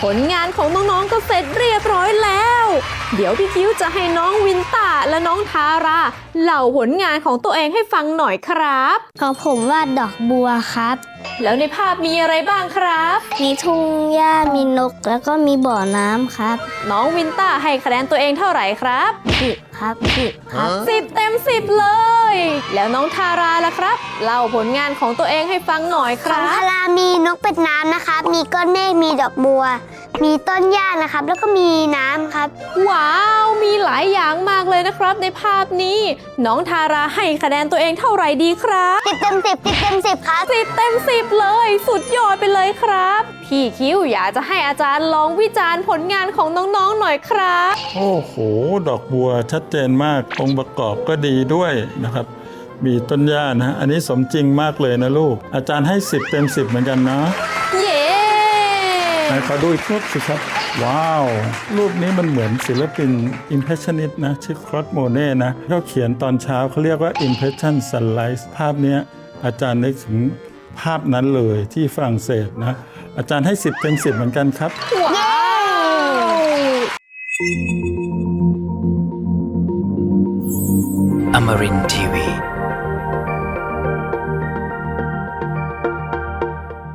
ลงานของน้องๆก็เสร็จเรียบร้อยแล้วเดี๋ยวพี่คิ้วจะให้น้องวินต้าและน้องทาราเล่าผลงานของตัวเองให้ฟังหน่อยครับของผมวาดดอกบัวครับแล้วในภาพมีอะไรบ้างครับมีทุ่งหญ้ามีนกแล้วก็มีบ่อน้ำครับน้องวินต้าให้คะแนนตัวเองเท่าไหร่ครับ 10ครับ10ครับ 10 เต็ม 10เลยแล้วน้องทาราล่ะครับเล่าผลงานของตัวเองให้ฟังหน่อยคของรับทารามีนกเป็ดน้ำนะครับมีก้อนเมฆมีดอกบัวมีต้นหญ้านะครับแล้วก็มีน้ำครับว้าวมีหลายอย่างมากเลยนะครับในภาพนี้น้องทาราให้คะแนนตัวเองเท่าไหร่ดีครับ 10 เต็ม 10 10 เต็ม 10ครับ 10 เต็ม 10เลยสุดยอดไปเลยครับพี่คิ้วอยากจะให้อาจารย์ลองวิจารณ์ผลงานของน้องๆหน่อยครับโอ้โหดอกบัวชัดเจนมากองค์ประกอบก็ดีด้วยนะครับมีต้นหญ้านะอันนี้สมจริงมากเลยนะลูกอาจารย์ให้10 เต็ม 10เหมือนกันนะเย้ไหนขอดูอีกรูปสิครับว้าวรูปนี้มันเหมือนศิลปิน Impressionist นะชื่อคลอดโมเน่นะเขาเขียนตอนเช้าเขาเรียกว่า Impression Sunrise ภาพนี้อาจารย์นึกถึงภาพนั้นเลยที่ฝรั่งเศสนะอาจารย์ให้10 เต็ม 10เหมือนกันครับว้าว Amarin Tiwi